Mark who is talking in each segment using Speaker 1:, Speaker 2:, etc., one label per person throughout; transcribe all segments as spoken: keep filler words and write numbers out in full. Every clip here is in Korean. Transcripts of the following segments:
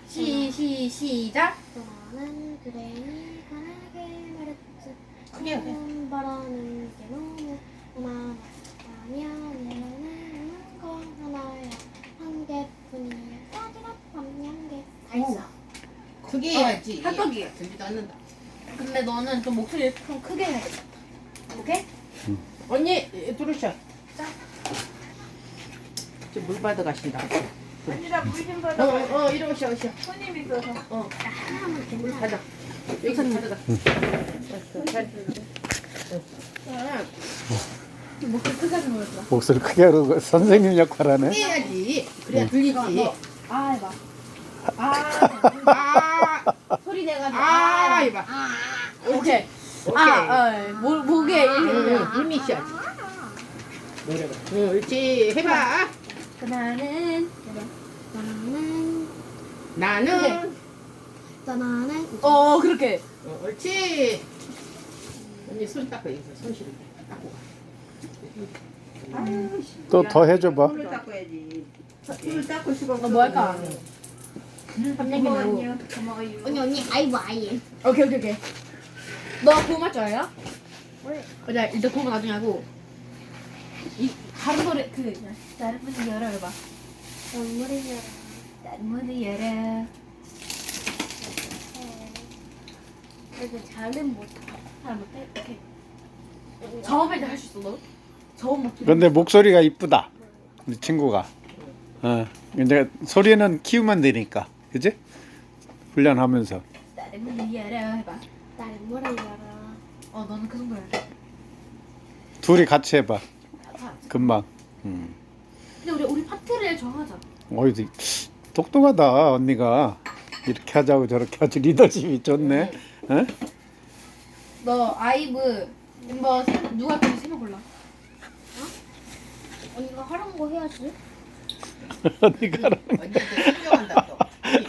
Speaker 1: 시, 시, 시작.
Speaker 2: 나는 그래니 가게 말했지.
Speaker 1: 크게 해.
Speaker 2: 바라는 게 너무 많아. 아니야, 내는 거 하나야. 한 개뿐이야. 따지라 밤양개. 다 있어.
Speaker 3: 크게
Speaker 1: 어,
Speaker 3: 해야지.
Speaker 1: 합격이에요.
Speaker 3: 들리도 않는다.
Speaker 1: 근데 너는 좀 목소리 좀 크게 해야겠다. 오케이?
Speaker 3: 언니 들으셔. 저물 받아 가신다.
Speaker 4: 언니랑 물좀
Speaker 3: 어,
Speaker 4: 받아.
Speaker 3: 어, 어, 이리 오셔, 오셔.
Speaker 4: 손님 있어서.
Speaker 3: 어,
Speaker 2: 하나만
Speaker 3: 물
Speaker 2: 괜찮아.
Speaker 3: 받아. 여기 가져가.
Speaker 1: 목소리 크게 하지 말자.
Speaker 5: 목소리 크게 하고 선생님 역할하네.
Speaker 3: 크게 해야지. 그래야 들리지.
Speaker 1: 아, 해봐. 아,
Speaker 3: 아,
Speaker 1: 소리 내가지고.
Speaker 3: 아,
Speaker 1: 아,
Speaker 3: 해봐.
Speaker 1: 아, 오케이.
Speaker 3: 오케이.
Speaker 1: 아, 어, 목, 목에 이렇게.
Speaker 3: 응, 힘이 있어야지. 노래가. 응, 옳지. 해봐.
Speaker 1: 나는.
Speaker 2: 나는
Speaker 3: 나는.
Speaker 2: 나는
Speaker 1: 어, 그렇게.
Speaker 3: 어, 옳지. 언니 손 닦아, 여기서 손 실을 닦고 가.
Speaker 5: 또 더 해줘봐.
Speaker 4: 손을 닦아야지. 손을 닦을 수가 없어.
Speaker 1: 너 뭐 할까? 삼양기 말고.
Speaker 4: 고마워요. 고마워요.
Speaker 2: 언니 언니 아이고 아이.
Speaker 1: 오케이, 오케이, 오케이. 너 고음 할 줄 알아?
Speaker 2: 왜?
Speaker 1: 자, 일단 고음 나중에 하고. 이, 다른 노래, 그, 다른 문을 열어, 해봐.
Speaker 2: 눈물이 열어.
Speaker 1: 다른 문을 열어.
Speaker 2: 그래도 잘은 못.
Speaker 1: 잘 못해? 오케이. 저음할 때 할 수 있어, 너? 저음 목소리.
Speaker 5: 근데 목소리가 이쁘다. 우리 친구가. 어. 이제 소리는 키우면 되니까. 그지? 훈련하면서.
Speaker 1: 다른 문을 열어, 해봐.
Speaker 2: 눈물이 열어.
Speaker 1: 어, 너는 그 정도 해야 돼.
Speaker 5: 둘이 같이 해봐.
Speaker 1: 자,
Speaker 5: 금방. 음.
Speaker 1: 근데 우리, 우리 파트를 정하자.
Speaker 5: 어이, 똑똑하다 언니가. 이렇게 하자고 저렇게 하지 리더십이 좋네. 어?
Speaker 1: 너 아이브 멤버 세- 누가 할지 세명 골라.
Speaker 2: 언니가 하란 거 해야지.
Speaker 5: 언니가 하라는 거.
Speaker 3: 언니한테 신경한다, 또.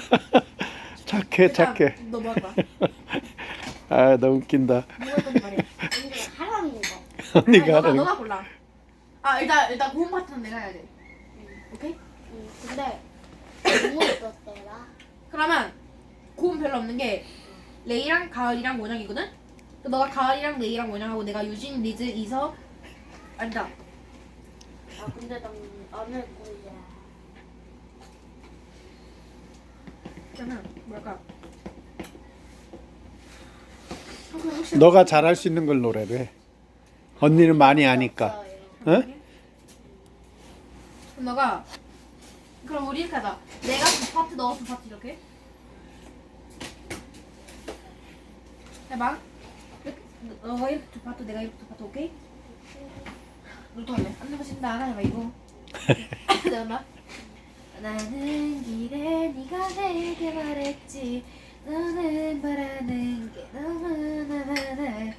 Speaker 5: 착해 착해.
Speaker 1: 너 뭐 할 거야?
Speaker 5: 아 너무 웃긴다.
Speaker 1: 뭐 할 건데 말이야.
Speaker 2: 언니가 하라는 거.
Speaker 5: 언니가
Speaker 1: 아니, 너가,
Speaker 5: 하라는 거.
Speaker 1: 너가 골라. 아, 일단, 일단 고음 파트는 내가 해야 돼. 오케이?
Speaker 2: 응, 근데 너무 어떻대라.
Speaker 1: 그러면 고음 별로 없는 게 레이랑 가을이랑 원영이거든? 그 너가 가을이랑 레이랑 원영하고 내가 유진, 리즈, 이서 아니다.
Speaker 2: 아 근데 난안할 거야.
Speaker 1: 그러면 뭐랄까? 아, 그럼 혹시
Speaker 5: 너가 잘할 수 있는 걸 노래로 해. 언니는 많이 아니까. 어?
Speaker 1: 그럼 너가 그럼 우리 이렇게 하자. 내가 두 파트, 너가 두 파트 이렇게 해봐. 이렇게, 너가 이렇게 두 파트, 내가 이렇게 두 파트, 오케이? 너도 할래? 안 넘어진다. 하나 해봐 이거. 내가 나는 길에 네가 내게 말했지. 너는 바라는 게 너무나 많아.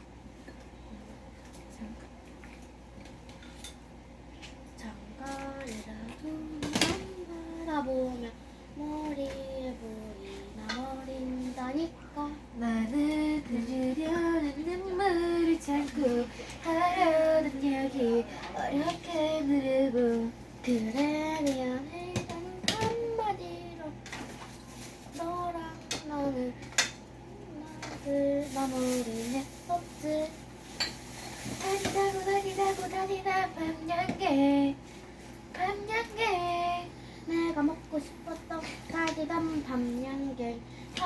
Speaker 2: 잠깐이라도 넌 바라보면 머리에 불이 나버린다니까.
Speaker 1: 나는 들으려는 눈물을 참고 하려던 얘기 어렵게 누르고
Speaker 2: 그래 미안해 단 한마디로 너랑 나는 나를 마무리해 없지.
Speaker 1: 다니다고 다니다고 다니다 밤양개 밤양개
Speaker 2: 내가 먹고 싶었던 가지던 밤양갱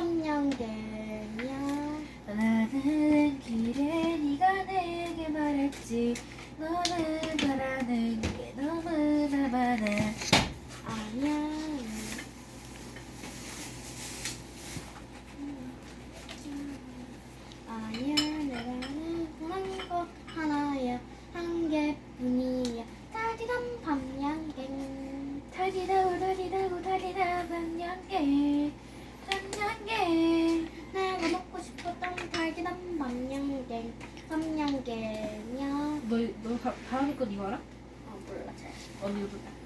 Speaker 2: 밤양갱이야.
Speaker 1: 나는 길에 네가 내게 말했지. 너는 바라는 게 너무나 많아.
Speaker 2: 아니야. 아니야 내가는 원하는 거 하나야. 한 개뿐이야. 가지던 밤양갱.
Speaker 1: 다니다고 다니다고 다니다 밤양개 밤양개
Speaker 2: 내가 먹고 싶었던 달기던 밤양갱 밤양갱이야.
Speaker 1: 너, 너 다, 다음 거 이거 알아?
Speaker 2: 아 몰라 잘.
Speaker 1: 언니 이거